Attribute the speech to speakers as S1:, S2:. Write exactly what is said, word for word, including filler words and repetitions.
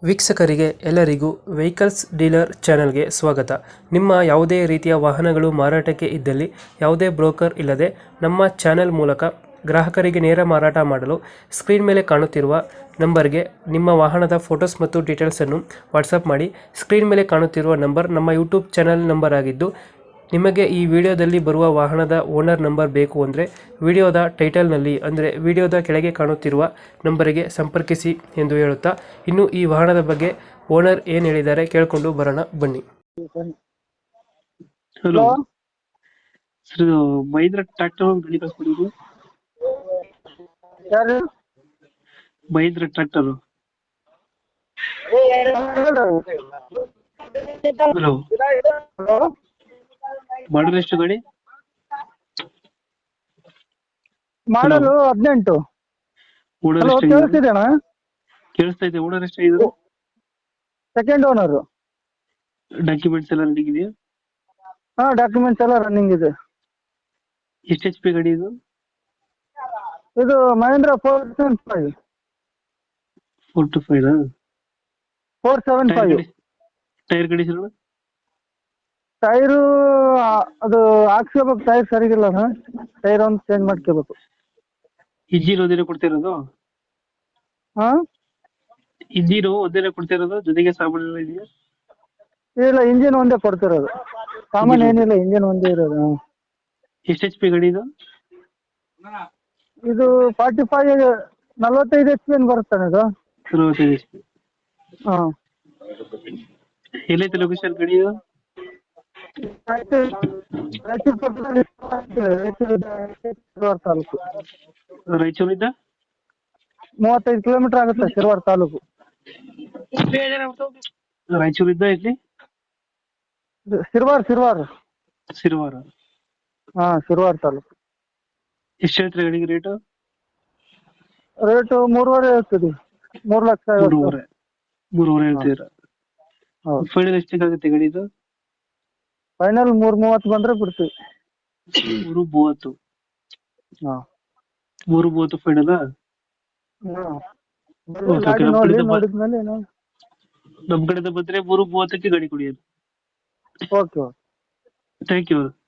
S1: ವೀಕ್ಷಕರಿಗೆ ಎಲ್ಲರಿಗೂ vehicles dealer ಚಾನೆಲ್ಗೆ ಸ್ವಾಗತ. ನಿಮ್ಮ ಯಾವುದೇ ರೀತಿಯ ವಾಹನಗಳು ಮಾರಾಟಕ್ಕೆ ಇದ್ದಲ್ಲಿ ಯಾವುದೇ ಬ್ರೋಕರ್ ಇಲ್ಲದೆ ನಮ್ಮ ಚಾನೆಲ್ ಮೂಲಕ ಗ್ರಾಹಕರಿಗೆ ನೇರ ಮಾರಾಟ ಮಾಡಲು ಸ್ಕ್ರೀನ್ ಮೇಲೆ ಕಾಣುತ್ತಿರುವ ನಂಬರ್ಗೆ ನಿಮ್ಮ ವಾಹನದ ಫೋಟೋಸ್ ಮತ್ತು ಡೀಟೇಲ್ಸನ್ನು ವಾಟ್ಸಪ್ ಮಾಡಿ. ಸ್ಕ್ರೀನ್ ಮೇಲೆ ಕಾಣುತ್ತಿರುವ ನಂಬರ್ ನಮ್ಮ ಯೂಟ್ಯೂಬ್ ಚಾನೆಲ್ ನಂಬರ್ ಆಗಿದ್ದು, ನಿಮಗೆ ಈ ವಿಡಿಯೋದಲ್ಲಿ ಬರುವ ವಾಹನದ ಓನರ್ ನಂಬರ್ ಬೇಕು ಅಂದರೆ ವಿಡಿಯೋದ ಟೈಟಲ್ನಲ್ಲಿ ಅಂದರೆ ವಿಡಿಯೋದ ಕೆಳಗೆ ಕಾಣುತ್ತಿರುವ ನಂಬರಿಗೆ ಸಂಪರ್ಕಿಸಿ ಎಂದು ಹೇಳುತ್ತಾ, ಇನ್ನು ಈ ವಾಹನದ ಬಗ್ಗೆ ಓನರ್ ಏನು ಹೇಳಿದ್ದಾರೆ ಕೇಳಿಕೊಂಡು ಬರೋಣ ಬನ್ನಿ.
S2: ಹಲೋ ಸರ್, ಇದು ಮಹೀಂದ್ರ ಟ್ರ್ಯಾಕ್ಟರ್ ಗಾಡಿ ಕಳ್ಸ್ಕೊಡಿದ್ರು.
S3: ಯಾರು?
S2: Mahindra tractor. Hello,
S3: hello,
S2: model ಎಷ್ಟು ಗಾಡಿ?
S3: ಮಾಡಲು ಹದಿನೆಂಟು.
S2: ಓನರ್
S3: ಹಲೋ,
S2: ಎಷ್ಟಾಗಿದೆ?
S3: ಕೇಳಿಸ್ತಿದೇನಾ?
S2: ಕೇಳಿಸ್ತಾ ಇದೆ. ಓನರ್ ಎಷ್ಟಾಗಿದ್ರು?
S3: Second owner.
S2: ಡಾಕ್ಯುಮೆಂಟ್ಸ್ ಎಲ್ಲ ರೆಡಿ ಇದೆಯಾ?
S3: ಹಾ, ಡಾಕ್ಯುಮೆಂಟ್ಸ್ ಎಲ್ಲ ರನ್ನಿಂಗ್ ಇದೆ.
S2: ಎಷ್ಟು ಎಚ್ ಪಿ ಗಾಡಿ ಇದು?
S3: ಇದು Mahindra four seven five
S2: four two five
S3: four seven five
S2: tyre ಗಾಡಿ ಸರ್?
S3: ಟೈರು ಅದು ಹಾಕ್ಸ್ಕೋಬೇಕು. ಟೈರ್ ಸರಿಗಿಲ್ಲ ಸರ್, ಟೈರ್ ಒಂದು ಚೇಂಜ್ ಮಾಡ್ಕೋಬೇಕು.
S2: ಇಂಜಿನ್ ಒಂದೇನೆ ಕೊಡ್ತಿರೋದು?
S3: ಹಾ,
S2: ಇಂಜಿನ್ ಒಂದೇನೆ ಕೊಡ್ತಿರೋದು, ಜೊತೆಗೆ ಸಾಮಾನು ಎಲ್ಲ ಇದೆಯಾ?
S3: ಇಲ್ಲ, ಇಂಜಿನ್ ಒಂದೇ ಕೊಡ್ತಿರೋದು. ಸಾಮಾನು
S2: Engine
S3: ಏನಿಲ್ಲ, ಇಂಜಿನ್ ಒಂದೇ ಇರೋದು. ಹಾ.
S2: ಎಷ್ಟು ಎಚ್ ಪಿ ಗಾಡಿ ಇದು?
S3: ಇದು ಫಾರ್ಟಿ ಫೈವ್ ನಲ್ವತ್ತೈದು ಎಚ್ ಪಿ ಬರುತ್ತಾನೆ ಇದು.
S2: ನಲವತ್ತೈದು ಎಚ್ ಪಿ.
S3: ಹಾ,
S2: ಎಲ್ಲೈತೆ ಲೊಕೇಶನ್ ಗಾಡಿ ಇದು?
S3: ಶಿರವಾರ ತಾಲೂಕು.
S2: ರಾಯಚೂರಿಂದ
S3: ಮೂವತ್ತೈದು ಕಿಲೋಮೀಟರ್ ಆಗುತ್ತೆ ಶಿರವಾರ ತಾಲೂಕು.
S2: ರಾಯಚೂರಿಂದ ಇಲ್ಲಿ
S3: ಇದು ಶಿರವಾರ ಶಿರವಾರ
S2: ಸಿರುವಾರ.
S3: ಹಾ, ಶಿರವಾರ ತಾಲೂಕು.
S2: ಎಷ್ಟು ಹೇಳ್ತೀರಾ ಗಾಡಿಗೆ ರೇಟು?
S3: ರೇಟು ಮೂರುವರೆ ಹೇಳ್ತೀವಿ. ಮೂರು ಲಕ್ಷ ಐವತ್ತು.
S2: ಮೂರುವರೆ ಮೂರುವರೆ ಹೇಳ್ತೀರಾ?
S3: ಹೌದು.
S2: ಫೈನಲ್ ಎಷ್ಟಾಗುತ್ತೆ ಗಾಡಿ ಇದು?
S3: ಫೈನಲ್ ಮೂರ್ ಮೂವತ್ತು ಬಂದ್ರೆ ಬಿಡ್ತೀವಿ.
S2: ಮೂರು ಮೂವತ್ತು.
S3: ಹಾ,
S2: ಮೂರು ಮೂವತ್ತು ಫೈನಲ್.
S3: ಹಾ.
S2: Okay,
S3: ಬರ್ಲಿ,
S2: okay,
S3: ಗಾಡಿ
S2: ನಮ್ಮ
S3: ನೋಡಿ,
S2: ಕಡೆಯಿಂದ ಬ-
S3: ನೋಡಿದ್ಮೇಲೆ ಏನು.
S2: ನಮ್ ಕಡೆಯಿಂದ ಬಂದ್ರೆ ಮೂರು ಮೂವತ್ತಕ್ಕೆ ಗಾಡಿ ಕೊಡಿ.
S3: Okay okay
S2: thank you.